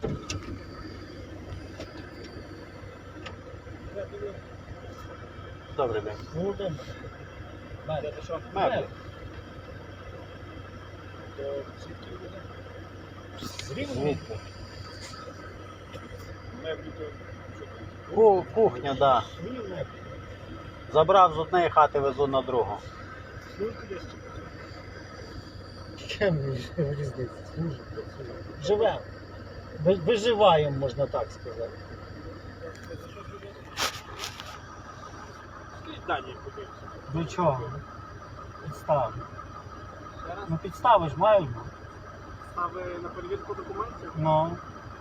Добрий день. Володимир. Це що? Меблі. Звідки? Меблі то Кухня, так. Да. свої меблі. Забрав з однієї хати, везу на другу. Служите десь? Чим різниця? Живемо. Виживаємо, можна так сказати. Скажіть дані подивимося. До чого? Підстави. Ну підстави ж мають бути. Стави на перевірку документів, Ну.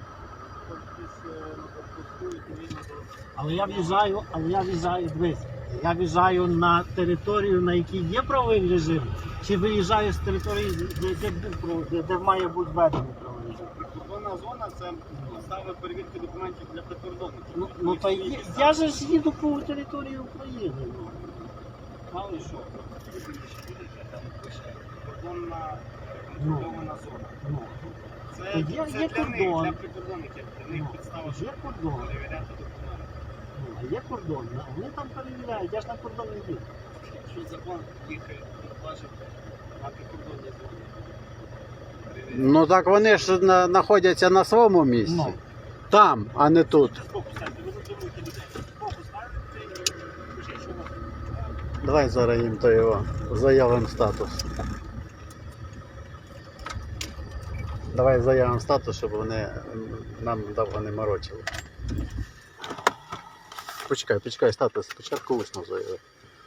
Але я в'їжджаю, дивись, я в'їжджаю на територію, на якій є правовий режим, чи виїжджаю з території, де має бути введений правовий режим. Прикордонна зона – це стави перевірки документів для прикордонників. Ну то я же ж їду по території України. Ну. Мало що, там пише прикордонна контрольована зона. Ну. Це Є для кордон. них, для прикордонників, для них підстава, Є кордон. перевіряти документи. Ну, а є кордон, а вони там перевіряють, я ж на кордон не їду. Якщо закон їх важить на прикордонній зоні. Ну так вони ж знаходяться на своєму місці. Ну. Там, а не тут. Фокус ставте, ви затримуєте людей. Фокус ставте і пишіть, що у вас. Давай зараз їм то його заявимо статус. Давай заявимо статус, щоб вони нам довго не морочили. Почекай, статус. Спочатку усно заяви.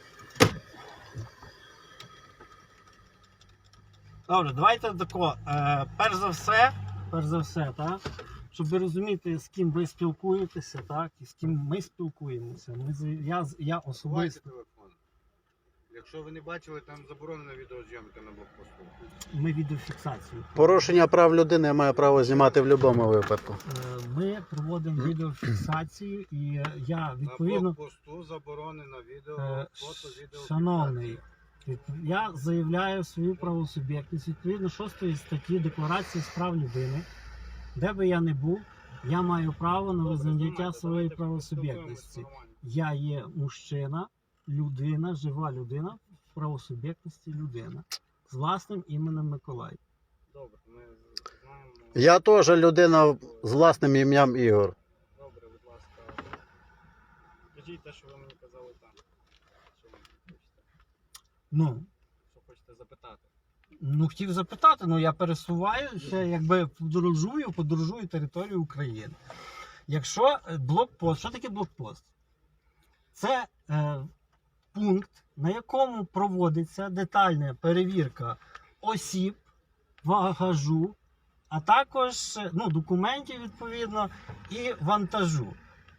Добре, давайте тако. Перш за все, так, щоб ви розуміти, з ким ви спілкуєтеся, так, і з ким ми спілкуємося. Я Ховайте особисто. телефон. Якщо ви не бачили, там заборонена відеозйомка на блокпосту. Ми відеофіксацію. Порушення прав людини має право знімати в будь-якому випадку. Ми проводимо відеофіксацію і я відповідно. На блокпосту заборонено відео, фото, відео. Шановний, я заявляю свою правосуб'єктність відповідно 6 статті Декларації з прав людини. Де би я не був, я маю право на визнання своєї правосуб'єктності. Я є мужчина, людина, жива людина, в правосуб'єктності людина. З власним іменем Миколай. Добре, ми знаємо. Я теж людина з власним ім'ям Ігор. Добре, будь ласка. Скажіть те, що ви мені казали там. Що ви хочете? Ну, Що хочете запитати? хотів запитати, я пересуваюся, якби подорожую територію України. Якщо блокпост, що таке блокпост? Це пункт, на якому проводиться детальна перевірка осіб, багажу, а також документів відповідно і вантажу.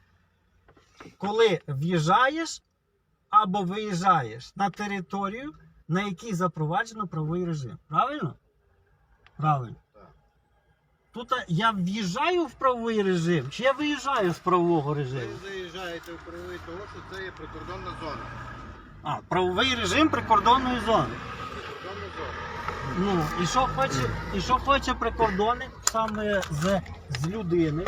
Коли в'їжджаєш або виїжджаєш на територію, на якій запроваджено правовий режим. Правильно? Правильно. Так. Тут я в'їжджаю в правовий режим, чи я виїжджаю з правового режиму? Ви заїжджаєте у правовий того, що це є прикордонна зона. Правовий режим прикордонної зони. Прикордонна зона. І що хоче прикордонник саме з людини?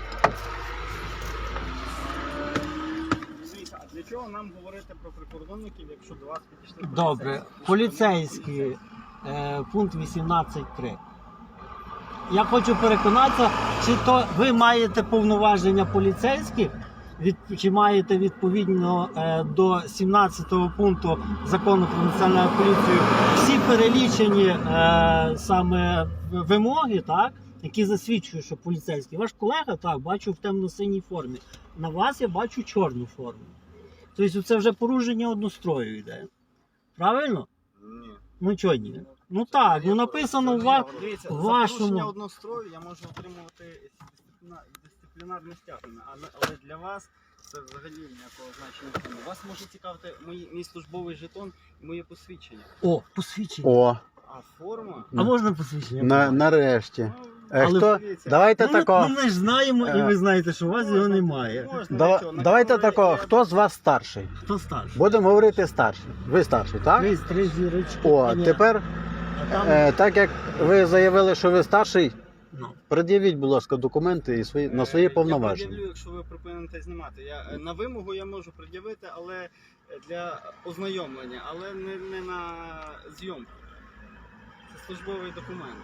Дивіться, а для чого нам говорити про прикордонників, якщо до вас підійшли? Добре, поліцейський, пункт 18.3. Я хочу переконатися, чи то ви маєте повноваження поліцейських, чи маєте відповідно до 17 пункту Закону про національну поліцію всі перелічені саме вимоги, так, які засвідчують, що поліцейський. Ваш колега, так, бачу в темно-синій формі. На вас я бачу чорну форму. Тобто це вже порушення однострою йде. Правильно? Ні. Ну чого ні? Ну так, написано Дивіться, в за порушення вашому. однострою я можу отримувати дисциплінарне стягнення, але для вас це взагалі ніякого значення не має. Вас може цікавити мій службовий жетон і моє посвідчення. О, посвідчення. О, А форма? А можна посвідчення? нарешті. Але Хто? дивіться, Давайте тако. Ми ж знаємо, і ви знаєте, що у вас його немає. Давайте тако. Хто з вас старший? Хто старший? Будемо говорити старший. Ви старший, так? Три зірочки. О, тепер, А там так як ви заявили, що ви старший, Ну. Пред'явіть, будь ласка, документи і на свої Я повноваження. пред'явлю, якщо ви припините знімати. На вимогу я можу пред'явити, але для ознайомлення, але не на зйомку. Це службовий документ.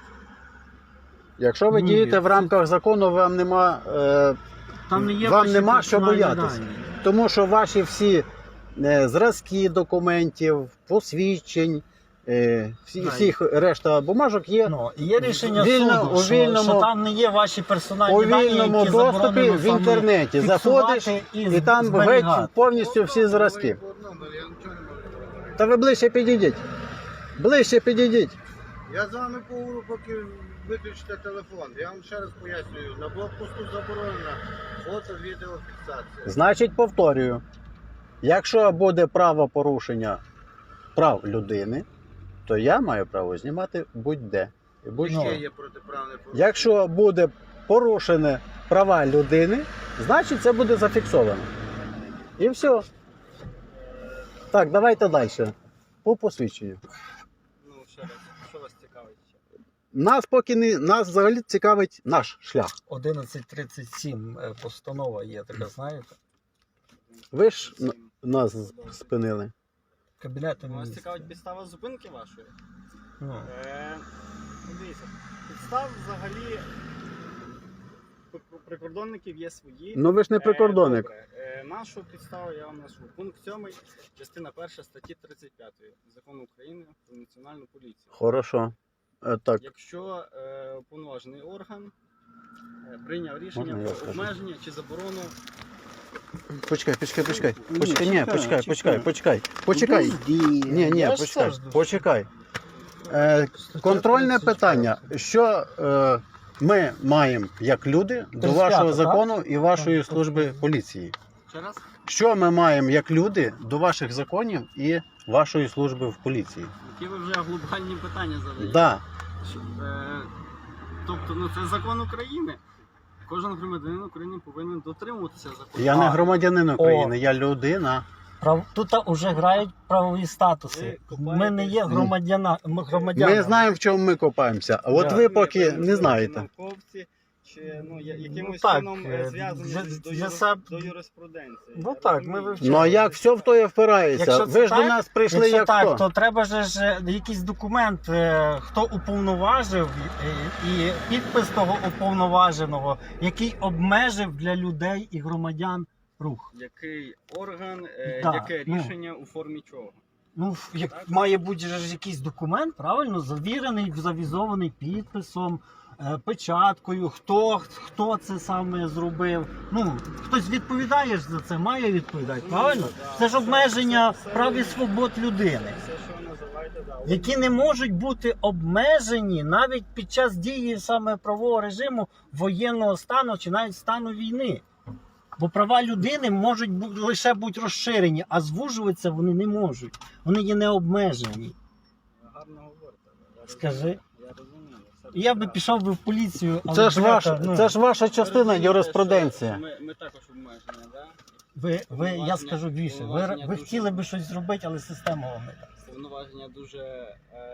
Якщо ви Ні, дієте в це- рамках закону, вам нема, Там не є вам ваші нема що персональні боятися. дані. Тому що ваші всі зразки документів, посвідчень, всіх решта бумажок є Ну, є рішення Вільно- у суду, вільному- що там не є ваші персональні у дані, вільному які доступі заборонено в саме інтернеті. фіксувати Заходиш і і там зберігати. геть повністю всі зразки. По одному, я нічого не можу говорити. Та ви ближче підійдіть. Ближче підійдіть. Я з вами поговорю, поки виключите телефон. Я вам ще раз пояснюю. На блокпосту заборонена фото-відеофіксація. Значить, повторюю, якщо буде правопорушення прав людини, то я маю право знімати будь-де. І будь-що. Ще є протиправне порушення. Якщо буде порушені права людини, значить це буде зафіксовано. І все. Так, давайте далі. По посвідченню. Ну, ще раз, що вас цікавить ще? Нас взагалі цікавить наш шлях. 1137 постанова є така, знаєте? Ви ж нас спинили. Кабінетом Вас міністрів. цікавить підстава зупинки вашої? Ну, Дивіться, підстав взагалі прикордонників є свої. Ну ви ж не прикордонник. Добре. Нашу підставу я вам назву. Пункт 7, частина 1 статті 35 Закону України про національну поліцію. Хорошо. Так, Якщо уповноважений орган прийняв рішення Можна я про скажу? обмеження чи заборону. почекай. Ні, Почекай. Ні, Я ж почекай. теж дуже- Почекай. Контрольне 35. питання. Що ми маємо як люди до 35, вашого так? закону і вашої Так. служби поліції? Ще раз? Що ми маємо як люди до ваших законів і вашої служби в поліції? Які ви вже глобальні питання задаєте? Да. Тобто, ну це закон України. Кожен громадянин України повинен дотримуватися закону. Я не А. громадянин України, я людина. Тут вже грають правові статуси. Ви Ми не є громадянами. Ми знаємо, в чому ми копаємося. А от Да. ви поки Ви не знаєте. науковці, чи якимось так, чином зв'язані для себе- до юриспруденції. Ну Я так, розумію. ми вивчаємо. Ну а як все в то і впирається? Якщо це Ви ж до так, нас прийшли Якщо як так, хто? то треба ж якийсь документ, хто уповноважив, і підпис того уповноваженого, який обмежив для людей і громадян рух. Який орган, Да, яке ну. рішення у формі чого? Ну, має бути ж якийсь документ, правильно, завірений, завізований підписом, печаткою, хто це саме зробив. Ну, хтось відповідає ж за це, має відповідати, правильно? Це ж обмеження прав і свобод людини, Все, що ви називаєте, да. які не можуть бути обмежені навіть під час дії саме правового режиму воєнного стану чи навіть стану війни. Бо права людини можуть лише бути розширені, а звужуватися вони не можуть. Вони є необмежені. Гарно говорите. Скажи. Я розумію. все Я би прекрасно. пішов би в поліцію, але Це ж бляха, ну, це ж ваша частина розумієте, юриспруденція. що Ми також обмежені, да? я скажу більше. Ви повноваження дуже- хотіли би щось зробити, але система вам не дасть. Повноваження дуже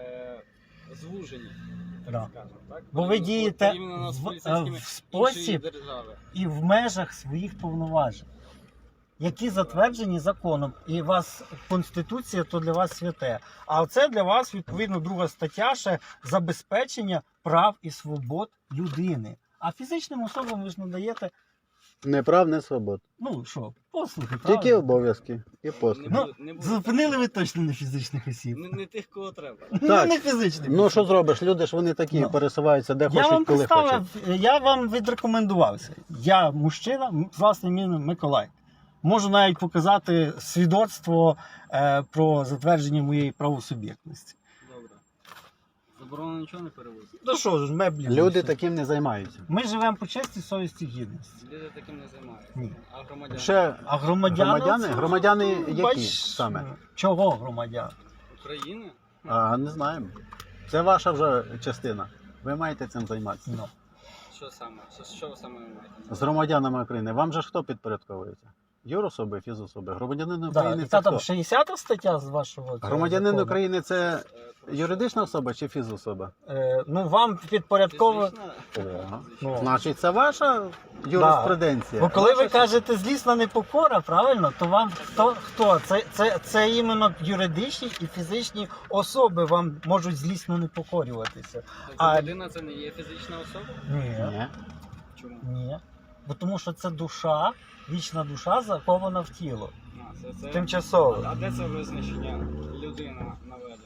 звужені, Да. скажімо так. Бо ви Порівняно дієте з в поліцейськими спосіб іншої держави. і в межах своїх повноважень, які затверджені законом. І вас Конституція то для вас святе. А це для вас, відповідно, друга стаття ще забезпечення прав і свобод людини. А фізичним особам ви ж надаєте, Не прав, не свобод. ну що, послуги, Тільки правильно? обов'язки і послуги. Ну, не буде зупинили ви точно не фізичних осіб. не тих, кого треба. Так. Не фізичних. Ну осіб. що зробиш? Люди ж вони такі Ну. пересуваються де Я вам хочуть, коли хочуть. представив, я вам відрекомендувався. Я мужчина з власним ім'ям Миколай. Можу навіть показати свідоцтво про затвердження моєї правосуб'єктності. Добре. Заборонено нічого не перевозити. Ну що ж, меблі. Люди все. таким не займаються. Ми живемо по честі, совісті, гідності. Люди таким не займаються. Ні. А громадяни? Ще А громадяни? Громадяни які Бач, саме? Чого громадян? України? А не знаємо. Це ваша вже частина. Ви маєте цим займатися. Ну. Що саме? Що саме ви маєте? на З увазі? громадянами України. Вам же ж хто підпорядковується? Юрособи, фізособи. Громадянин Да. України І це та там хто? 60 стаття з вашого цього Громадянин закону. України це Про юридична особа чи фізособа? Ну, вам підпорядково... Фізична? Ну. Значить, це ваша юриспруденція. Бо коли ви кажете злісна непокора, правильно, то вам хто? Це іменно юридичні і фізичні особи вам можуть злісно не покорюватися. А- Людина це не є фізична особа? Ні. Ні. Чому? Ні. Бо тому що це душа, вічна душа закована в тіло. Це... Тимчасово. А де це визначення людина наведено?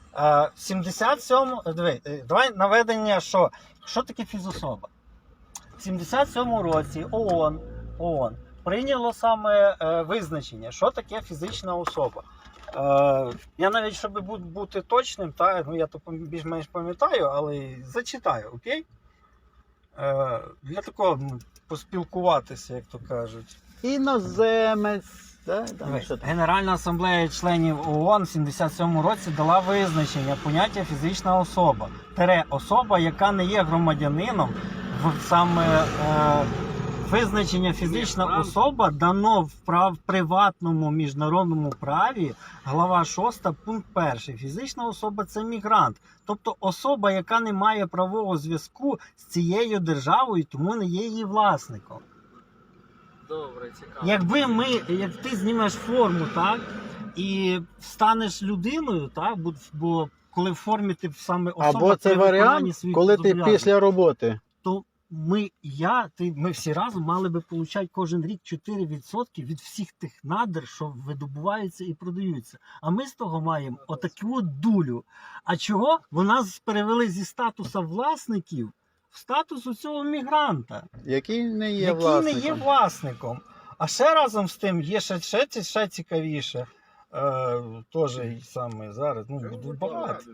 77 давай наведення, що таке фізособа? В 77 році ООН прийняло саме визначення, що таке фізична особа. Я навіть, щоб бути точним, я то більш-менш пам'ятаю, але зачитаю, окей? Для такого поспілкуватися, як то кажуть. Іноземець. Да? Там, що там? Генеральна асамблея членів ООН в 77 році дала визначення поняття фізична особа. Особа, яка не є громадянином, саме визначення фізична особа дано в приватному міжнародному праві, глава 6, пункт 1. Фізична особа – це мігрант. Тобто особа, яка не має правового зв'язку з цією державою, тому не є її власником. Добре, цікаво. Як ти знімеш форму, так, і станеш людиною, так, бо коли в формі ти саме особа, Або це при виконанні варіант, своїх коли ти зобов'язань, після роботи. то ми всі разом мали би получати кожен рік 4% від всіх тих надр, що видобуваються і продаються. А ми з того маємо отаку от дулю. А чого? Бо нас перевели зі статусу власників в статус у цього мігранта, Який не є який власником. не є власником. А ще разом з тим є ще цікавіше. Теж саме зараз. Багато.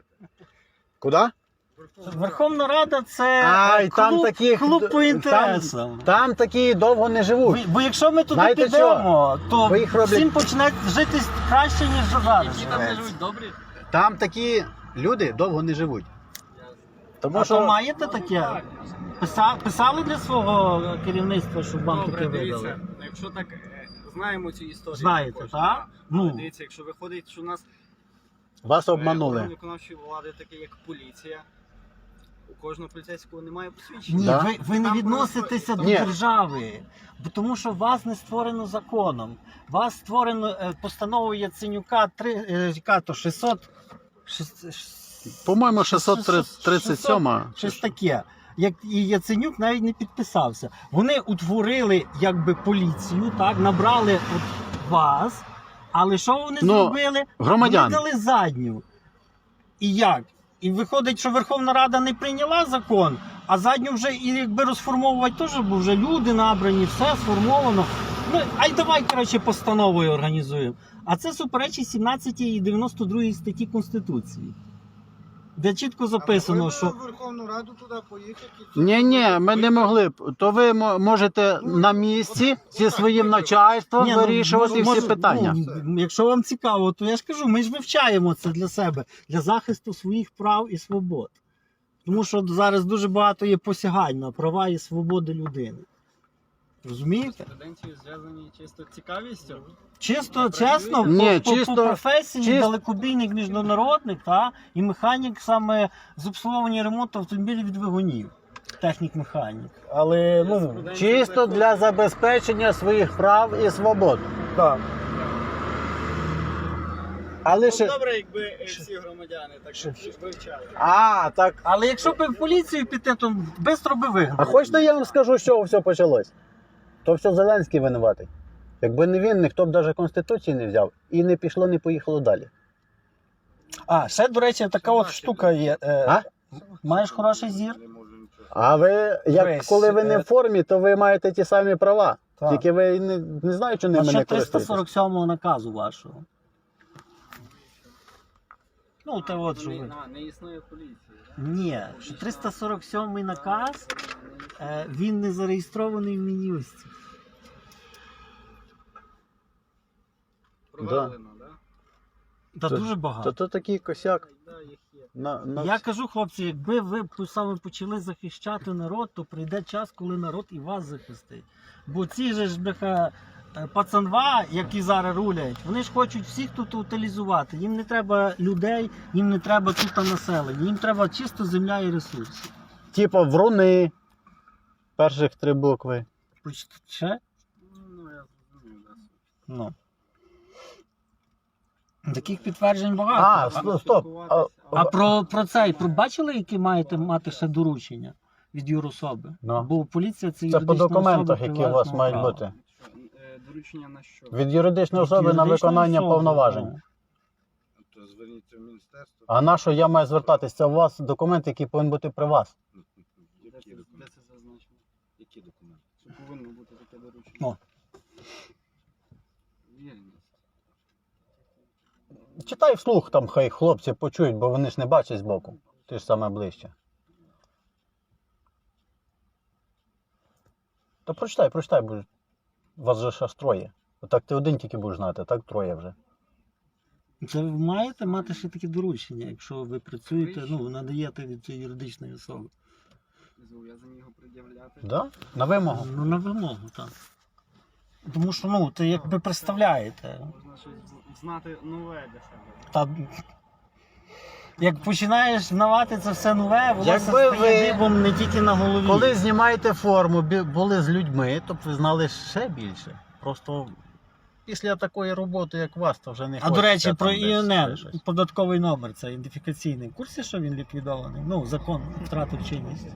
Куди? Верховна Рада це Ай, там такі- клуб по інтересам. Там такі довго не живуть. Бо якщо ми туди Знаєте підемо, то Ви їх роблять- всім почне жити краще, ніж зараз. Які там не живуть добрі? Там такі люди довго не живуть. Тому А що то маєте таке? Писали для свого керівництва, щоб вам таке Добре, видали? дивіться, якщо так знаємо цю історію. Знаєте, також, так? так. Ну. Але дивіться, якщо виходить, що у нас вас орган обманули. виконавчої влади, таке як поліція, у кожного поліцейського немає посвідчення. Ні, Да? ви не Там відноситеся просто- до Ні. держави, бо тому що вас не створено законом. Вас створено постановою Яценюка 600... По-моєму, 637. Щось таке. Як і Яценюк навіть не підписався. Вони утворили якби поліцію, так, набрали от вас, але що вони зробили? Громадян. Вони дали задню. І як? І виходить, що Верховна Рада не прийняла закон, а задню вже і якби розформовувати теж, бо вже люди набрані, все сформовано. Ай давай, коротше, постановою організуємо. А це суперечить 17 і 92 статті Конституції. Де чітко записано, що... в Верховну Раду туди поїхати. Ні, ми не могли б. То ви можете на місці зі своїм начальством Ні, вирішувати всі питання. Якщо вам цікаво, то я ж кажу, ми ж вивчаємо це для себе, для захисту своїх прав і свобод. Тому що зараз дуже багато є посягань на права і свободи людини. Розумієте? Студентів зв'язані чисто цікавістю. Чисто, чесно, Ні, по чисто- професії далекобійник міжнародник і механік саме з обслуговування ремонту автомобілів від двигунів. Технік-механік. Але, Чисто для забезпечення своїх прав і свобод. так. Але ще... Добре, якби всі громадяни так вивчали. Так. Але якщо б в поліцію піти, то швидко би вигнали. А хочете я вам скажу, з чого все почалось? То все Зеленський винуватий. Якби не він, ніхто б навіть Конституції не взяв. І не пішло, не поїхало далі. Ще, до речі, така от штука є. Маєш хороший зір? А ви, Весь, коли ви не в формі, то ви маєте ті самі права. Так. Тільки ви не знаєте, що А ними ще не користуєтесь. 347 наказу вашого. Те от що ви. Не існує поліції. Ні, що 347 наказ, він не зареєстрований в Мін'юсті. Провалено, так? Та Це- дуже багато. То такий косяк. Да, їх є. Я кажу, хлопці, якби ви саме почали захищати народ, то прийде час, коли народ і вас захистить. Бо ці же ж бляха пацанва, які зараз рулять, вони ж хочуть всіх тут утилізувати. Їм не треба людей, їм не треба тут населення, їм треба чисто земля і ресурси. Типа вруни. Перших 3 букви. Ще? Ну, я зрозумів, да. Ну. Таких підтверджень багато. А, стоп. А про цей, бачили, які маєте мати ще доручення від юрособи? Ну. Бо поліція це Це по юридична документах, особа які у вас приватного мають права. бути. Доручення на що? Від юридичної особи на Юридична виконання особа, повноважень. так. То зверніться в міністерство. А на що я маю звертатися? Це у вас документ, який повинен бути при вас. Які Де документи? це зазначено? Які документи? Що повинно бути таке доручення? О. Вірність. Читай вслух, там хай хлопці почують, бо вони ж не бачать збоку. Ти ж саме ближче. То прочитай, бо вас же ж троє. Отак ти один тільки будеш знати, так троє вже. Це ви маєте мати ще такі доручення, якщо ви працюєте, ну, надаєте від цієї юридичної особи. Зобов'язані його пред'являти. Да? На вимогу. Ну, на вимогу, так. Тому що, ну, ти якби представляєте. Можна щось знати нове для себе. Та, як починаєш знавати це все нове, воно Якби стає ви- дибом не тільки на голові. Коли знімаєте форму, були з людьми, то б ви знали ще більше. Просто після такої роботи, як у вас, то вже не А хочеться до речі, там про десь ІНН, щось. податковий номер, це ідентифікаційний. В курсі, що він ліквідований? Ну, закон втратив чинність.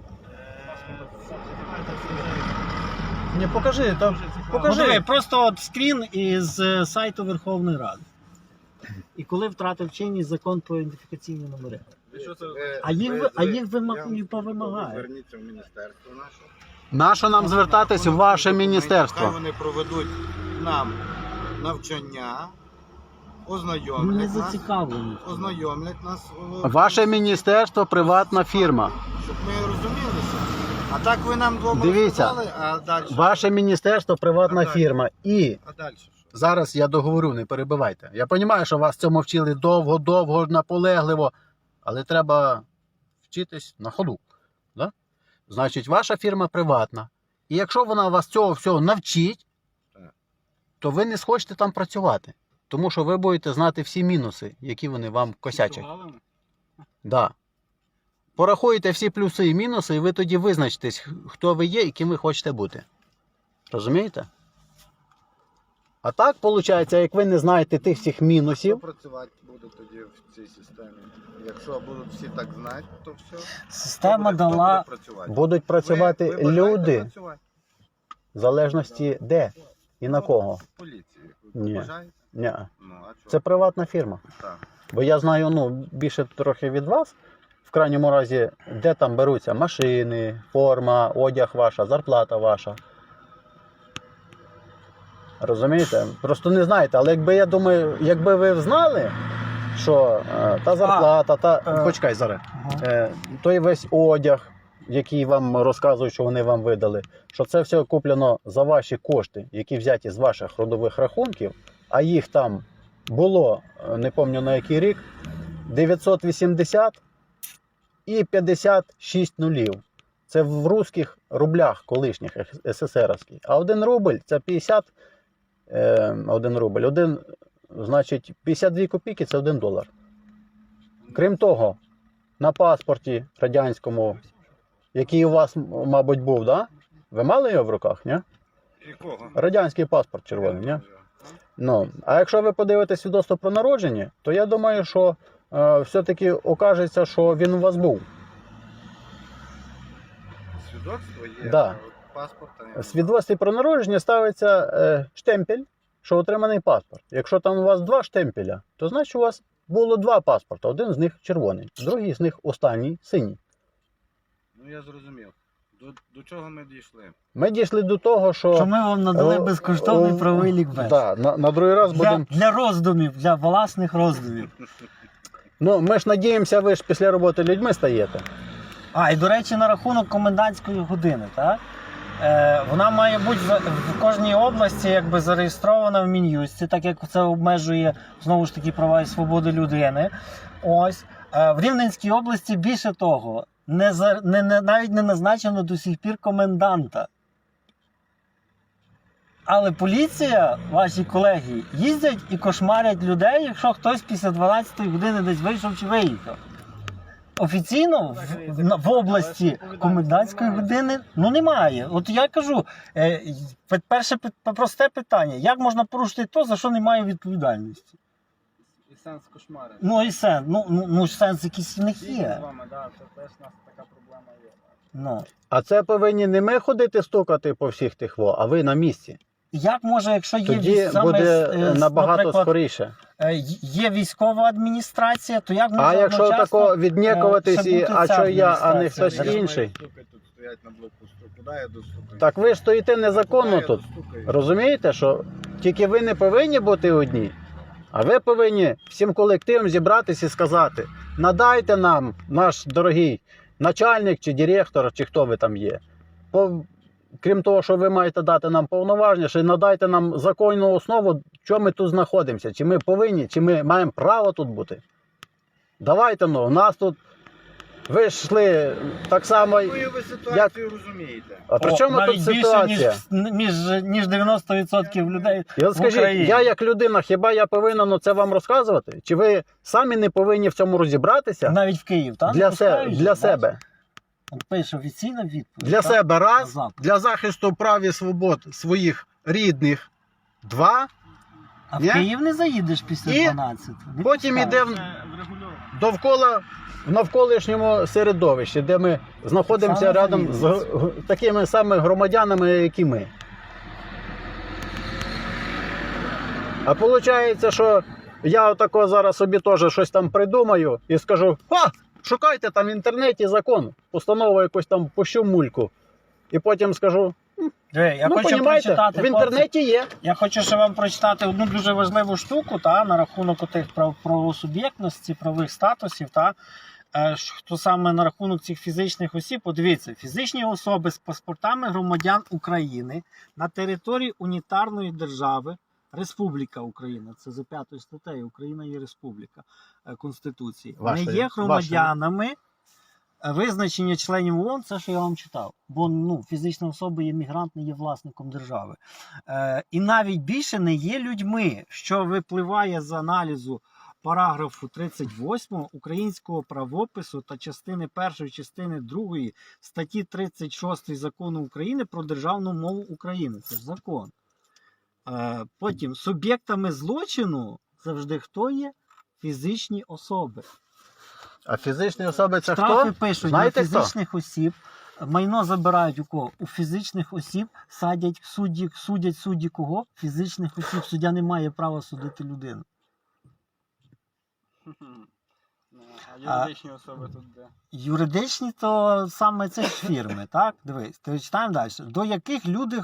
Ні, покажи, там, Ну, диви, покажи. просто от скрін із сайту Верховної Ради. І коли втратив чинність закон про ідентифікаційні номери. А їх повимагає. Зверніться в міністерство наше. На що нам звертатись в ваше Хай міністерство? вони проведуть нам навчання, Ми не ознайомлять нас, зацікавлені. ознайомлять нас, Ваше міністерство приватна фірма. щоб ми розумілися. А так ви нам двома Дивіться. розказали, а далі? Ваше міністерство приватна А далі? фірма. І А далі що? зараз я договорю, не перебивайте. Я розумію, що вас цьому вчили довго, наполегливо, але треба вчитись на ходу. Да? Значить, ваша фірма приватна. І якщо вона вас цього всього навчить, Так. то ви не схочете там працювати. Тому що ви будете знати всі мінуси, які вони вам косячать. Галами? Да. Порахуєте всі плюси і мінуси, і ви тоді визначитесь, хто ви є і ким ви хочете бути. Розумієте? А так, виходить, як ви не знаєте тих всіх Хто мінусів, працювати буде тоді в цій системі? Якщо будуть всі так знати, то все. Система дала. будуть працювати Ви бажаєте люди, працювати? в залежності де і на кого. В поліції. Ви Ні. бажаєте? Ні. Ну, а чого? Це приватна фірма. Так. Бо я знаю, ну, більше трохи від вас, в крайньому разі, де там беруться машини, форма, одяг ваша, зарплата ваша. Розумієте? Просто не знаєте, але якби, я думаю, якби ви знали, що та зарплата, почекай зараз, той весь одяг, який вам розказують, що вони вам видали, що це все куплено за ваші кошти, які взяті з ваших родових рахунків, а їх там було, не пам'ятаю на який рік, 980 і 56 нулів. Це в русських рублях колишніх СССРівських. А 1 рубль це 50, 1 рубль, значить 52 копійки це 1 долар. Крім того, на паспорті радянському, який у вас, мабуть, був, да? Ви мали його в руках, ні? Якого? Радянський паспорт червоний, ні? Ну, а якщо ви подивитесь свідоцтво про народження, то я думаю, що все-таки окажеться, що він у вас був. Свідоцтво є, Да. а от паспорта В немає. свідоцтві про народження ставиться штемпель, що отриманий паспорт. Якщо там у вас 2 штемпеля, то значить у вас було 2 паспорта. Один з них червоний, другий з них останній синій. Ну я зрозумів. До чого ми дійшли? Ми дійшли до того, що... Що ми вам надали безкоштовний правовий лікбез. Так, на другий раз будемо... Для роздумів, для власних роздумів. Ну, ми ж надіємося, ви ж після роботи людьми стаєте. А, і до речі, на рахунок комендантської години, так? Вона має бути в кожній області якби зареєстрована в Мін'юсті, так як це обмежує знову ж таки права і свободи людини. Ось. В Рівненській області більше того, навіть не назначено до сих пір коменданта. Але поліція, ваші колеги, їздять і кошмарять людей, якщо хтось після 12-ї години десь вийшов чи виїхав. Офіційно в області комендантської години немає. От я кажу, перше просте питання, як можна порушити то, за що немає відповідальності? І сенс кошмари. Ну і сенс, сенс якийсь в них Є є. з вами, да, це теж у нас така проблема є. Ну. А це повинні не ми ходити стукати по всіх тих а ви на місці. Як може, якщо є Тоді буде набагато наприклад, скоріше. є військова адміністрація, то як А можна якщо одночасно, тако віднікуватись, ще бути а ця що я, а не адміністрація? хтось Я ж інший. маю стукати тут, стоять на блокпосту. Куди я достукаю? Так ви ж стоїте незаконно Куди я тут. достукаю? Розумієте, що тільки ви не повинні бути одні, а ви повинні всім колективом зібратися і сказати: надайте нам, наш дорогий начальник чи директор, чи хто ви там є. Крім того, що ви маєте дати нам повноваження, ще й надайте нам законну основу, що ми тут знаходимося. Чи ми повинні, чи ми маємо право тут бути. Давайте, у нас тут ви йшли так само. Якою ви ситуацію розумієте? А при чому навіть тут більше, ситуація? ніж 90% людей Я в скажіть, Україні. я як людина, хіба я повинен це вам розказувати? Чи ви самі не повинні в цьому розібратися? Навіть в Київ, так? Для себе. Пише офіційна відповідь. Для так? себе раз, На запит. для захисту прав і свобод своїх рідних два, А в Ні? Київ не заїдеш після І 12. Не потім пускають. йде Це врегульовано. довкола в навколишньому середовищі, де ми знаходимося Саме рядом з такими самими громадянами, як і ми. А виходить, що я отако зараз собі теж щось там придумаю і скажу: шукайте там в інтернеті закон, постанову якусь там пущу мульку. І потім скажу: Я хочу понімаєте, прочитати, в інтернеті є. Я хочу ще вам прочитати одну дуже важливу штуку на рахунок тих правосуб'єктності, правових статусів. Хто саме на рахунок цих фізичних осіб, подивіться, фізичні особи з паспортами громадян України на території унітарної держави, Республіка Україна, це за 5 статтею, Україна є республіка Конституції, Вашої, не є громадянами визначення членів ООН, це, що я вам читав. Бо фізична особа є мігрант, не є власником держави. І навіть більше не є людьми, що випливає з аналізу параграфу 38 українського правопису та частини 1, частини 2 статті 36 Закону України про державну мову України. Це ж закон. Потім суб'єктами злочину завжди хто є? Фізичні особи. А фізичні особи це Штрафи хто? пишуть Знаєте на фізичних осіб, майно забирають у кого? У фізичних осіб судять судді кого? Фізичних осіб. Суддя не має права судити людину. А юридичні особи тут де? Юридичні то саме це ж фірми, так? Дивись, читаємо далі. До яких люди